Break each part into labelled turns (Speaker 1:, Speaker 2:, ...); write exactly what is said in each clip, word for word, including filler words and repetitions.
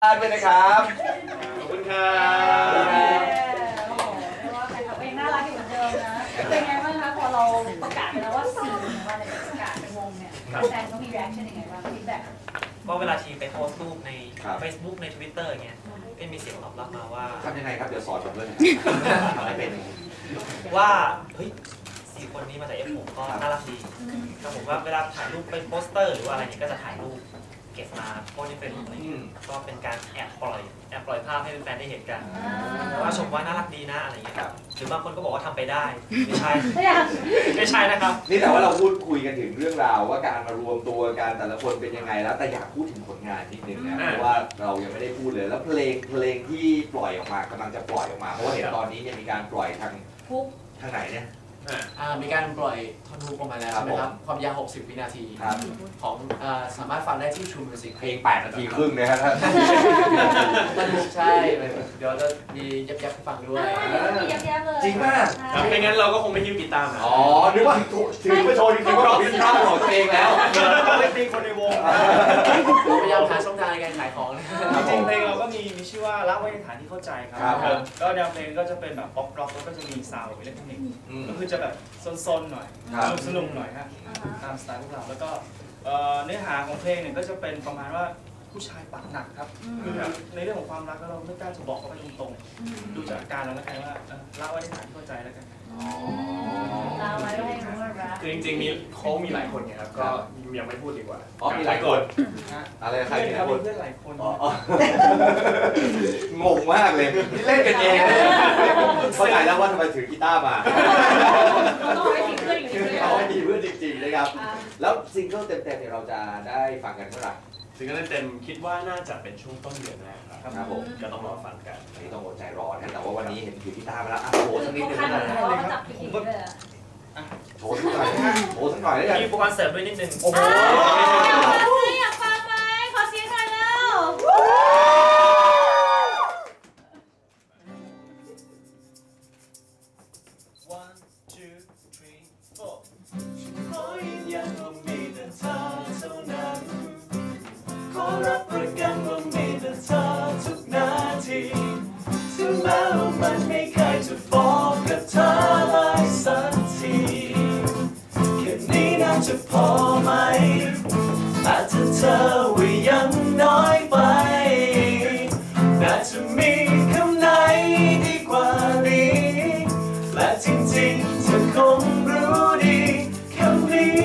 Speaker 1: ด้วยนะครับ
Speaker 2: ขอบคุณครับ
Speaker 3: โอ้โหเรียกว่าแฟนคลับเองน่ารักอยู่เหมือนเดิมนะเป็นไงบ้างคะพอเราประกาศไปแล้วว่าสี่วันเนี่ยประกาศเป็นวงเนี่ยแฟนเขามี reaction ยังไงบ้างฟีดแบ็ก
Speaker 4: ก็เวลาทีไปโพสต์รูปใน Facebook ใน Twitter อย่างเงี้ยก็มีเสียงตอบรับมาว่า
Speaker 1: ทำยังไงครับเดี๋ยวสอนผมด้วยอะไรเป็น
Speaker 4: ว่าเฮ้ยสี่คนนี้มาจาก เอฟ หก ก็น่ารักดีก็ผมว่าเวลาถ่ายรูปเป็นโปสเตอร์หรือว่าอะไรนี้ก็จะถ่ายรูปเก็บมาโพสในเฟซบุ๊กอะไรเงี้ยก็เป็นการแอบปล่อยแอบปล่อยภาพให้แฟนๆได้เห็นกันว่าชมว่าน่ารักดีนะอะไรเงี้ยหรือบางคนก็บอกว่าทำไปได้ไม่ใช่ไม่ใช่นะครับ
Speaker 1: นี่แต่ว่าเราพูดคุยกันถึงเรื่องราวว่าการมารวมตัวกันแต่ละคนเป็นยังไงแล้วแต่อยากพูดถึงผลงานนิดนึงนะเพราะว่าเรายังไม่ได้พูดเลยแล้วเพลงเพลงที่ปล่อยออกมากำลังจะปล่อยออกมาเพราะว่าเห็นตอนนี้เนี่ยมีการปล่อยทางทางไหนเนี่ย
Speaker 2: มีการปล่อยท่อนฮุกออกมาแล้วใช่ไหมครับความยาวหกสิบวินาทีของสามารถฟังได้ที่ True Music
Speaker 1: เพลงแปดนาทีครึ่งนะฮะ
Speaker 2: ท่อนฮุกใช่เดี๋ยวจะมียับยับฟังด้วย
Speaker 3: มียับยับเลย
Speaker 1: จริงมาก
Speaker 2: ไม่งั้นเราก็คงไม่ฮิ้วกีตาร์มา
Speaker 1: อ๋อนึกว่าถือมาโชว์จริงๆว่าเราเป็นท่าของตัวเองแล้ว
Speaker 2: เราไม่เป็นคนในวงพยายามหาช่องทางในการขายของ
Speaker 5: จริงเพลงเราก็มีมีชื่อว่ารักไว้ในฐานที่เข้าใจครับก็แนวเพลงก็จะเป็นแบบป๊อปร็อกแล้วก็จะมีซาวด์อิเล็กทรอนิกส์ก็คือจะแบบซนๆหน่อยสนุกหน่อยฮะตามสไตล์พวกเราแล้วก็เนื้อหาของเพลงเนี่ยก็จะเป็นประมาณว่าผู้ชายปากหนักครับคือในเรื่องของความรักเราไม่กล้าจะบอกเขาไปตรงๆดูจากอาการเราแล้วกันว่ารักไว้ในฐานที่เข้าใจแล้วกัน
Speaker 2: คือจริงๆมีเขามีหลายคนไงครับก็ยังไม่พูดดีกว่า
Speaker 1: อ๋อมีหลายคนอะไรใครมีหลายคน
Speaker 5: เพื่อนหลายคน
Speaker 1: งงมากเลยเล่นกันเองเข้าใจแล้วว่าทำไมถือกีตาร์มา
Speaker 3: ต้องให้มีเพื่อนอยู่ดี
Speaker 1: เขาให้มีเพื่อนจริงๆนะครับแล้วซิงเกิลเต็มๆเนี่ยเราจะได้ฟังกันเมื่อไหร่
Speaker 2: ซิงเกิลเต็มคิดว่าน่าจะเป็นช่วงต้นเดือนแรกครับ
Speaker 1: ครับผม
Speaker 2: ก็ต้องรอฟังกัน
Speaker 1: นี่ต้องอดใจรอนะแต่ว่าวันนี้เห็นถือกีตาร์มาแล้วอ่ะโชว์สักนิดนึงนะ
Speaker 3: ผมก็
Speaker 1: โชว์สักหน่อยโชว์สักหน่อยได้ยัง
Speaker 4: มีอุปกรณ์เสริมด้วยนิดนึง
Speaker 1: โอ้โห
Speaker 3: อยากฟังไหมขอเสียงหน่อยแล้ว
Speaker 6: one two three four ขอยืนยันว่ามีแต่เธอเท่านั้นขอรับประกันว่ามีแต่เธอทุกนาทีถึงแม้ว่ามันไม่เคยจะบอกกับเธอเลยสักทีแค่นี้น่าจะพอไหมอาจจะเธอว่ายังน้อยไปน่าจะมีคำไหนดีกว่านี้และจริงๆเธอคงรู้ดีคำนี้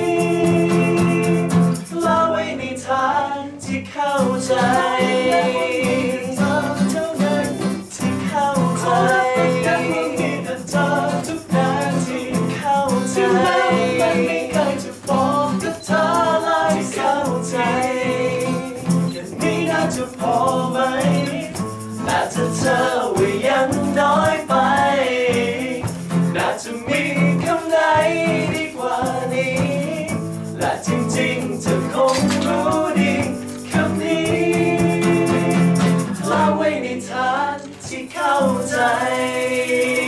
Speaker 6: เล่าไว้ในทางที่เข้าใจเธอเท่านั้นที่เข้าใจยังมีแต่เธอทุกนาทีเข้าใจมันไม่เคยจะบอกกับเธอเลยเข้าใจแค่นี้น่าจะพอไหมแต่ถ้าเธอว่ายังน้อยไปน่าจะมีคำไหนดีกว่านี้และจริงๆเธอคงรู้ดีคำนี้เล่าไว้ในฐานที่เข้าใจ